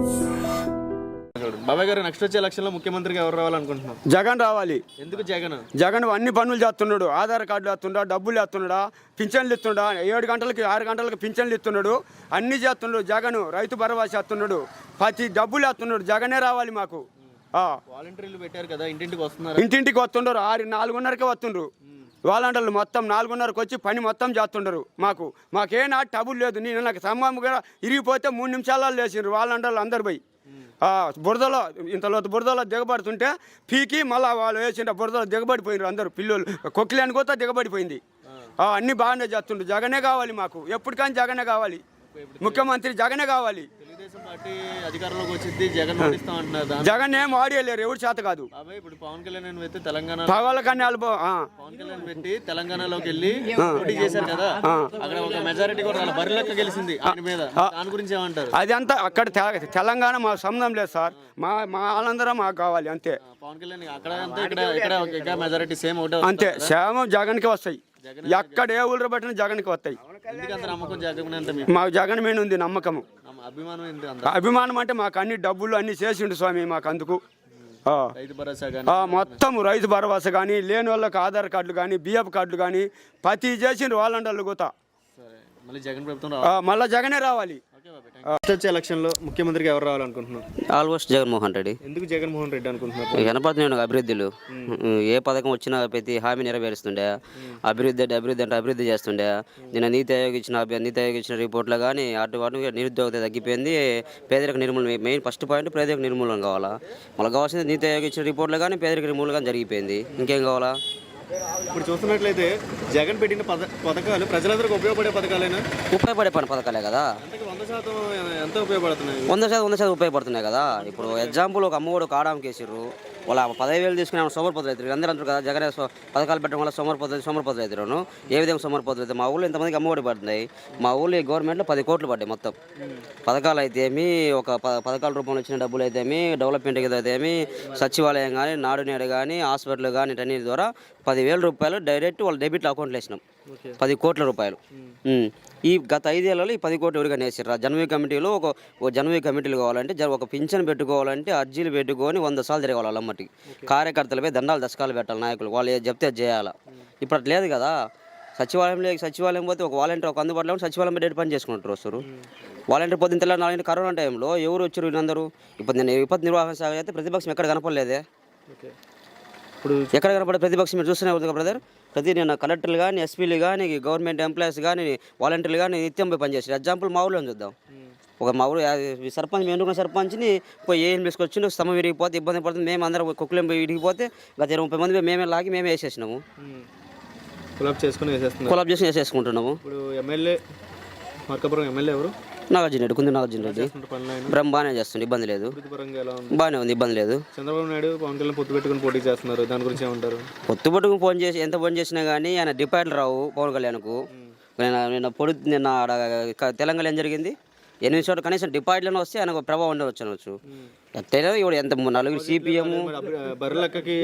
బాబాయ్ గారు, నెక్స్ట్ వచ్చే ఎలక్షన్ లో ముఖ్యమంత్రిగా ఎవరు రావాలనుకుంటున్నాం? జగన్ రావాలి. ఎందుకు జగన్? జగన్ అన్ని పనులు చేస్తున్నాడు. ఆధార్ కార్డులు వేస్తుండా, డబ్బులు వేస్తున్నాడా, పింఛన్లు ఇస్తుండా, 7 గంటలకి 6 గంటలకి పింఛన్లు ఇస్తున్నాడు, అన్ని చేస్తున్నాడు. జగన్ రైతు భరోసా చేస్తున్నాడు, ప్రతి డబ్బులు వేస్తున్నాడు. జగనే రావాలి మాకు. వాలంటీర్లు పెట్టారు కదా, ఇంటింటికి వస్తున్నారు. ఇంటింటికి వస్తుండరు. 4:30కే వస్తుండ్రు. వాలంటీర్లు మొత్తం 4:30కి వచ్చి పని మొత్తం చేస్తుండరు. మాకే నాటి టబుల్ లేదు. నేను నాకు సమ్మం కూడా ఇరిగిపోతే 3 నిమిషాలలో లేచిండ్రు వాలంటీర్లు అందరు పోయి. బురదలో ఇంతలో బురదలో దిగబడుతుంటే పీకి మళ్ళీ వాళ్ళు వేసిండ్రు. బురదలో దిగబడిపోయినారు అందరూ. పిల్లలు కొక్కిలేని కూడా దిగబడిపోయింది. అన్నీ బాగానే చేస్తుండ్రు. జగనే కావాలి మాకు. ఎప్పటికైనా జగనే కావాలి. ముఖ్యమంత్రి జగనే కావాలి. తెలుగుదేశం పార్టీ అధికారంలోకి వచ్చింది, జగన్ ఓడిస్తాం అంటున్నారు. జగన్ ఏం ఆడియలేరు, ఎవరి చేత కాదు. ఇప్పుడు పవన్ కళ్యాణ్ పెట్టి తెలంగాణ పవన్ కళ్యాణ్ పెట్టి తెలంగాణలోకి వెళ్ళి పోటీ చేశారు కదా, అక్కడ ఒక మెజారిటీ కూడా బరిలెక్క గెలిచింది ఆయన మీద. దాని గురించి ఏమంటారు? అది అంతా అక్కడ తెలంగాణ మా సంబంధం లేదు సార్. మా వాళ్ళందరం మాకు కావాలి అంతే. పవన్ కళ్యాణ్ అక్కడ ఇక్కడ మెజారిటీ సేమ్ ఒకటే అంతే. సేమ జగన్కి వస్తాయి. ఎక్కడ ఏ ఊళ్ళో పెట్టినా జగన్కి వస్తాయి. నమ్మకం జగన్ మాకు జగన్ మీద ఉంది నమ్మకము, అభిమానం. అంటే మాకు అన్ని డబ్బులు అన్ని చేసిండు స్వామి మాకు. అందుకు మొత్తం రైతు భరోసా కానీ, లేని వాళ్ళకి ఆధార్ కార్డులు కానీ, బిఎఫ్ కార్డులు కానీ ప్రతి చేసిండ్రు వాళ్ళంటూ కూడా. మళ్ళీ జగనే రావాలి. వచ్చే ఎలక్షన్ లో ముఖ్యమంత్రిగా ఎవరు రావాలనుకుంటున్నాం? ఆల్మోస్ట్ జగన్మోహన్ రెడ్డి. ఎందుకు జగన్మోహన్ రెడ్డి అనుకుంటున్నారు? వినపడుతున్నాయి అభివృద్ధులు. ఏ పథకం వచ్చినా ప్రతి హామీ నెరవేరుస్తుండే. అభివృద్ధి చేస్తుండే. నిన్న నీతి ఆయోగ్ ఇచ్చిన రిపోర్ట్లో కానీ అటు నిరుద్యోగత తగ్గిపోయింది. పేదరిక నిర్మూలన మెయిన్ ఫస్ట్ పాయింట్. పేదరిక నిర్మూలన కావాలా. మళ్ళీ కావాల్సింది నీతి ఆయోగ్ ఇచ్చిన రిపోర్ట్లో కానీ పేదరిక నిర్మూలన కానీ జరిగిపోయింది. ఇంకేం కావాలా? ఇప్పుడు చూస్తున్నట్లయితే జగన్ పెట్టిన పథకాలు ప్రజలందరికీ ఉపయోగపడే పథకాలేనా? ఉపయోగపడే పథకాలే కదా. 100% ఎంత ఉపయోగపడుతున్నాయి? 100% ఉపయోగపడుతున్నాయి కదా. ఇప్పుడు ఎగ్జాంపుల్ ఒక అమ్మఒడు కాడాంకి వేసిర్రు. వాళ్ళ 10,000 తీసుకుని సోమరిపోతులు అవుతారు. అందరూ అంటారు కదా జగన్ పథకాలు పెట్టడం వల్ల సోమరిపోతులు అవుతారు. ఏ విధంగా సోమరిపోతులు అవుతాయి? మా ఊళ్ళో ఇంతమందికి అమ్మఒడి పడుతున్నాయి. మా ఊళ్ళో గవర్నమెంట్లో 10 కోట్లు పడ్డాయి మొత్తం. పథకాలు అయితేమి, ఒక పథకాల రూపంలో వచ్చిన డబ్బులు అయితేమి, డెవలప్మెంట్కి అయితేమి, సచివాలయం కానీ, నాడు నేడు కానీ, హాస్పిటల్ కానీ, వీటన్నిటి ద్వారా 10,000 రూపాయలు డైరెక్ట్ వాళ్ళ డెబిట్ అకౌంట్లో వేసినాం. 10 కోట్ల రూపాయలు. ఈ గత 5 ఏళ్లలో ఈ 10 కోట్లు ఎవరికైనా వేసారు. జన్మీ కమిటీలో ఒక జన్మీ కమిటీలు కావాలంటే ఒక పింఛన్ పెట్టుకోవాలంటే అర్జీలు పెట్టుకొని 100 సార్లు తిరగాలి వాళ్ళమ్మటికి. కార్యకర్తలపై దండాలు దశకాలు పెట్టాలి నాయకులు. వాళ్ళు చెప్తే చేయాలా. ఇప్పుడు అట్లా లేదు కదా. సచివాలయం పోతే ఒక వాలంటీర్ ఒక అందుబాటులో సచివాలయం డేట్ పని చేసుకుంటారు వస్తారు. వాలంటీర్ పొద్దున్న తెల్ల 4 కరోనా టైంలో ఎవరు వచ్చారు వీళ్ళందరూ? ఇప్పుడు నేను విపత్తు నిర్వహణ శాఖ అయితే ప్రతిపక్షం ఎక్కడ కనపడలేదే. ఇప్పుడు ఎక్కడ కనపడే ప్రతిపక్షం మీరు చూస్తూనే ఉంది కదా బ్రదర్. నేను కలెక్టర్లు కానీ, ఎస్పీలు కానీ, గవర్నమెంట్ ఎంప్లాయీస్ కానీ, వాలంటీర్లు కానీ నిత్యం పోయి పనిచేస్తారు. ఎగ్జాంపుల్ మా ఊళ్ళో చూద్దాం. మా ఊరు సర్పంచ్, మేము ఎన్నుకున్న సర్పంచ్ని పోయి ఏం తీసుకొచ్చిండు, స్తంభం విరిగిపోతే ఇబ్బంది పడుతుంది. మేము అందరం కుక్కలేం విరిగిపోతే గత 30 మంది మేమే లాగి మేమే వేసేసినాము. కొలాబ్ చేసుకుని వేసేసుకుంటున్నాము. ఇప్పుడు ఎమ్మెల్యే మార్కాపురం ఎమ్మెల్యే ఎవరు? కుంది నాగార్జున రెడ్డి. బాగానే చేస్తుంది, ఇబ్బంది లేదు. బాగానే ఉంది, ఇబ్బంది లేదు. చంద్రబాబు నాయుడు పవన్ కళ్యాణ్ పొత్తు పెట్టుకుని పోటీ చేస్తున్నారు. దాని గురించి ఏమంటారు? పొత్తు పెట్టుకుని ఎంత ఫోన్ చేసినా కానీ ఆయన డిపాజిట్లు రావు పవన్ కళ్యాణ్కు. నిన్న తెలంగాణ ఏం జరిగింది? 8 చోట్ల కనీసం డిపాజిట్లను వస్తే ఆయనకు ప్రభావం ఉండవచ్చు. ఎట్లయినా ఇప్పుడు ఎంత 4 సిపిఎం బర్రెలెక్కకి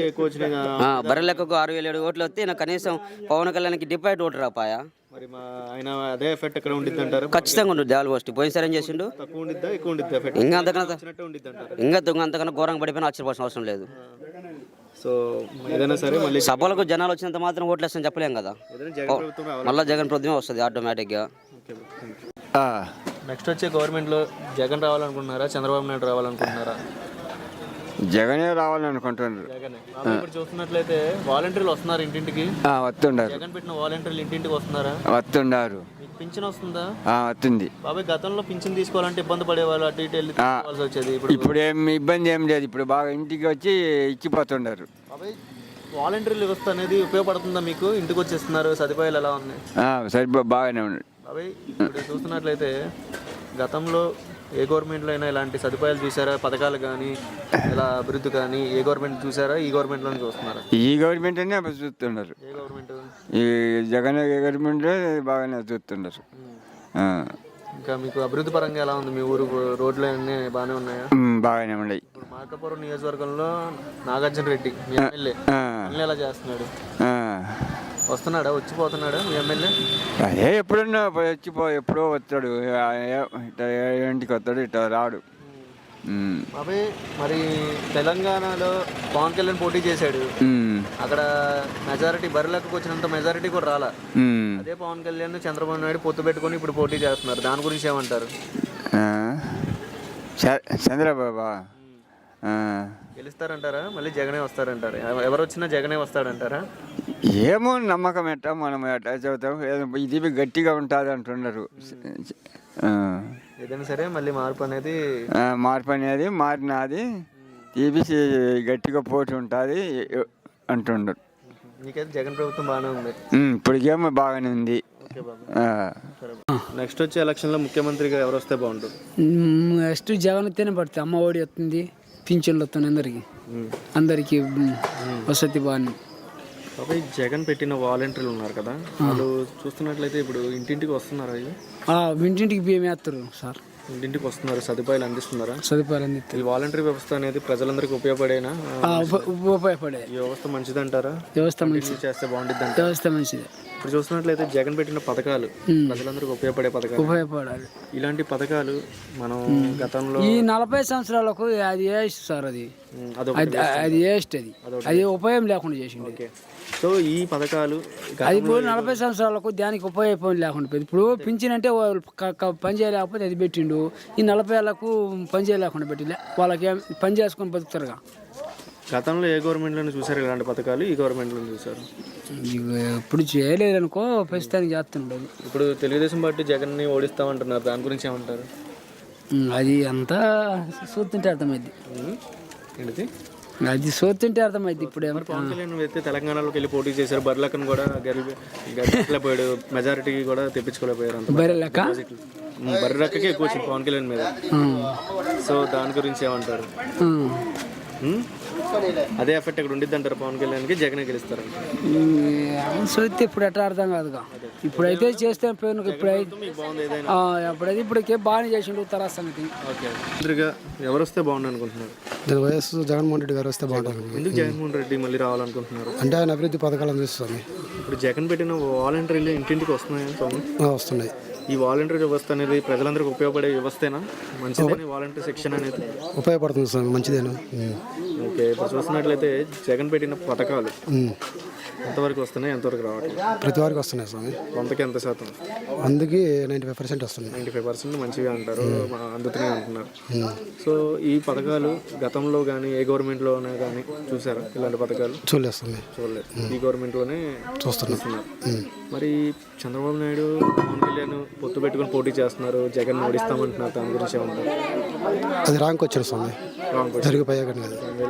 6,007 ఓట్లు వస్తే కనీసం పవన్ కళ్యాణ్కి డిపాజిట్ ఓటు రాపాయా? అదే ఎఫెక్ట్ ఎక్కడ ఉండిద్ది అంటారు? ఖచ్చితంగా ఉంటుంది. ఆల్మోస్ట్ పోయినసారి ఏం చేసిండు? ఇంకా అంతకన్నా ఘోరంగా పడిపోయినా ఆశ్చర్యపోవాల్సిన అవసరం లేదు. సో ఏదైనా సరే మళ్ళీ సభలకు జనాలు వచ్చినంత మాత్రం ఓట్లు వేస్తామని చెప్పలేం కదా. మళ్ళీ జగన్ ప్రభుత్వమే వస్తుంది ఆటోమేటిక్గా. నెక్స్ట్ వచ్చే గవర్నమెంట్లో జగన్ రావాలనుకుంటున్నారా, చంద్రబాబు నాయుడు రావాలనుకుంటున్నారా? జగనే రావాలనుకుంటున్నారు. ఇప్పుడు చూస్తున్నట్లయితే వాలంటీర్లు వస్తున్నారు ఇంటింటికి. వస్తుండారు. జగన్ పెట్టిన వాలంటీర్లు ఇంటింటికి వస్తున్నారా? వస్తుండారు. పింఛన్ వస్తుందా? వస్తుంది. బాబాయ్, గతంలో పింఛన్ తీసుకోవాలంటే ఇబ్బంది పడేవాళ్ళు, అటు ఇటు వెళ్ళి తీసుకోవాల్సి వచ్చేది. ఇప్పుడు ఏం ఇబ్బంది ఏం లేదు. ఇప్పుడు బాగా ఇంటికి వచ్చి ఇచ్చిపోతుండారు. బాబాయ్, వాలంటీర్ల వ్యవస్థ అనేది ఉపయోగపడుతుందా మీకు? ఇంటికి వచ్చేస్తున్నారు, సదుపాయాలు ఎలా ఉన్నాయి? బాగానే ఉన్నాయి. బాబాయ్, ఇప్పుడు చూస్తున్నట్లయితే గతంలో ఏ గవర్నమెంట్లో అయినా ఇలాంటి సదుపాయాలు చూసారా? పథకాలు కానీ ఇలా అభివృద్ధి కానీ ఏ గవర్నమెంట్ చూసారా? ఈ గవర్నమెంట్లోనే చూస్తున్నారా? ఈ గవర్నమెంట్ అనే చూస్తున్నారు. ఏ గవర్నమెంట్? ఈ జగన్ గవర్నమెంట్ బాగానే చూస్తున్నారు. ఇంకా మీకు అభివృద్ధి పరంగా ఎలా ఉంది? మీ ఊరు రోడ్లు అన్నీ బాగానే ఉన్నాయా? బాగానే ఉన్నాయి. మార్కాపురం నియోజకవర్గంలో నాగార్జున రెడ్డి మీ ఎమ్మెల్యే ఎలా చేస్తున్నాడు? వస్తున్నాడా, వచ్చిపోతున్నాడా మీ ఎమ్మెల్యే? అదే ఎప్పుడన్నా ఎప్పుడో వస్తాడు. ఇంటికి వస్తాడు, ఇట్లా రాడు. బాబాయ్ మరి తెలంగాణలో పవన్ కళ్యాణ్ పోటీ చేశాడు, అక్కడ మెజారిటీ బరిలోకి వచ్చినంత మెజారిటీ కూడా రాలా. అదే పవన్ కళ్యాణ్ చంద్రబాబు నాయుడు పొత్తు పెట్టుకొని ఇప్పుడు పోటీ చేస్తున్నారు, దాని గురించి ఏమంటారు? చంద్రబాబు గెలుస్తారంటారా, మళ్ళీ జగనే వస్తారంటారా? ఎవరు వచ్చినా జగనే వస్తాడంటారా? ఏమో నమ్మకం ఎట్టా మనం ఎట్లా చెబుతాం, ఇది గట్టిగా ఉంటుంది అంటున్నారు. ఏదైనా సరే మళ్ళీ మార్పు అనేది మారినది తీపిసి గట్టిగా పోటీ ఉంటుంది అంటున్నారు. నీకైతే జగన్ ప్రభుత్వం బాగానే ఉంది. ఇప్పటికేమో బాగానే ఉంది. నెక్స్ట్ వచ్చే ఎలక్షన్లో ముఖ్యమంత్రిగా ఎవరు వస్తే బాగుంటుంది? నెక్స్ట్ జగన్ వస్తేనే పడుతుంది. అమ్మ ఒడి వస్తుంది, పింఛన్లు వస్తుంది, అందరికి వసతి బాగా. బాబాయ్ జగన్ పెట్టిన వాలంటీర్లు ఉన్నారు కదా, వాళ్ళు చూస్తున్నట్లయితే ఇప్పుడు ఇంటింటికి వస్తున్నారు. ఇంటింటికి బియ్యం వేస్తారు సార్, ఇంటింటికి వస్తున్నారు, సదుపాయాలు అందిస్తున్నారా? సదుపాయాలు అందిస్తారు. ఈ వాలంటీర్ వ్యవస్థ అనేది ప్రజలందరికీ ఉపయోగపడేనా? ఉపయోగపడే ఈ వ్యవస్థ మంచిదంటారా? వ్యవస్థ మంచిది, చేస్తే బాగుంటుంది. వ్యవస్థ మంచిది. ఇప్పుడు చూస్తున్నట్లయితే జగన్ పెట్టిన పథకాలు ప్రజలందరికీ ఉపయోగపడే పథకాలు, ఉపయోగపడాలి. ఇలాంటి పథకాలు మనం గతంలో ఈ 40 సంవత్సరాలకు అది వేస్ట్ సార్, అది వేస్ట్, అది ఉపయోగం లేకుండా చేసింది. సో ఈ పథకాలు అది ఇప్పుడు 40 సంవత్సరాలకు దానికి ఉపయోగం లేకుండా పోయింది. ఇప్పుడు పింఛన్ అంటే పని చేయలేకపోతే అది పెట్టిండు, ఈ 40 ఏళ్ళకు పని చేయలేకుండా పెట్టిలే, వాళ్ళకి పని చేసుకొని బతుకుతారుగా. గతంలో ఏ గవర్నమెంట్లోనే చూసారు ఇలాంటి పథకాలు, ఈ గవర్నమెంట్లో చూసారు? ఇప్పుడు చేయలేదనుకో, ప్రస్తుతానికి చేస్తుండదు. ఇప్పుడు తెలుగుదేశం పార్టీ జగన్ని ఓడిస్తామంటున్నారు, దాని గురించి ఏమంటారు? అది అంతా చూస్తుంటే అర్థమైంది, ఏంటిది అది చూస్తుంటే అర్థమైంది. ఇప్పుడు పవన్ కళ్యాణ్ అయితే తెలంగాణలోకి వెళ్ళి పోటీ చేశారు, బర్లకన్ కూడా గెలిపోయాడు, మెజారిటీ కూడా తెప్పించుకోలేకపోయారు. అంత బర్రెక్కకే ఎక్కువ వచ్చింది పవన్ కళ్యాణ్ మీద. సో దాని గురించి ఏమంటారు? అదే ఎఫెక్ట్ ఇక్కడ ఉండిద్ది అంటారు పవన్ కళ్యాణ్కి, జగన్ గెలుస్తారు? చూస్తే ఇప్పుడు ఎట్లా అర్థం కాదుగా. ఇప్పుడైతే చేస్తే ఎప్పుడైతే ఇప్పటికే బాగానే చేసిండు తర్వాత సంగతి. ఎవరు వస్తే బాగుండు అనుకుంటున్నారు? వైఎస్ జగన్మోహన్ రెడ్డి గారు వస్తే బాగుంటుంది. ఎందుకు జగన్మోహన్ రెడ్డి మళ్ళీ రావాలనుకుంటున్నారు? అంటే ఆయన అభివృద్ధి పథకాలు అందిస్తుంది. ఇప్పుడు జగన్ పెట్టిన వాలంటీర్లు ఇంటింటికి వస్తున్నాయి. ఈ వాలంటీర్ వ్యవస్థ అనేది ప్రజలందరికీ ఉపయోగపడే వ్యవస్థేనా? మంచిదేనా వాలంటీర్ సెక్షన్ అనేది? ఉపయోగపడుతుంది సార్, మంచిదేనా. ఓకే, ఇప్పుడు చూసినట్లయితే జగన్ పెట్టిన పథకాలు ఎంతవరకు వస్తున్నాయి, ఎంతవరకు రావట్లేదు? ప్రతి వారికి వస్తున్నాయి స్వామి. 100కి ఎంత శాతం? అందుకే 95% వస్తున్నాయి. 95% మంచిగా అంటారు, అందుతున్నాయి అంటున్నారు. సో ఈ పథకాలు గతంలో కానీ ఏ గవర్నమెంట్లోనే కానీ చూసారా ఇలాంటి పథకాలు? చూడలేదు, ఈ గవర్నమెంట్లోనే చూస్తున్నారు. మరి చంద్రబాబు నాయుడు పవన్ కళ్యాణ్ పొత్తు పెట్టుకుని పోటీ చేస్తున్నారు, జగన్ ఓడిస్తామంటున్నారు, దాని గురించి ఏమంటారు? అది రాంగ్ వచ్చారు స్వామి, జరిగిపోయాక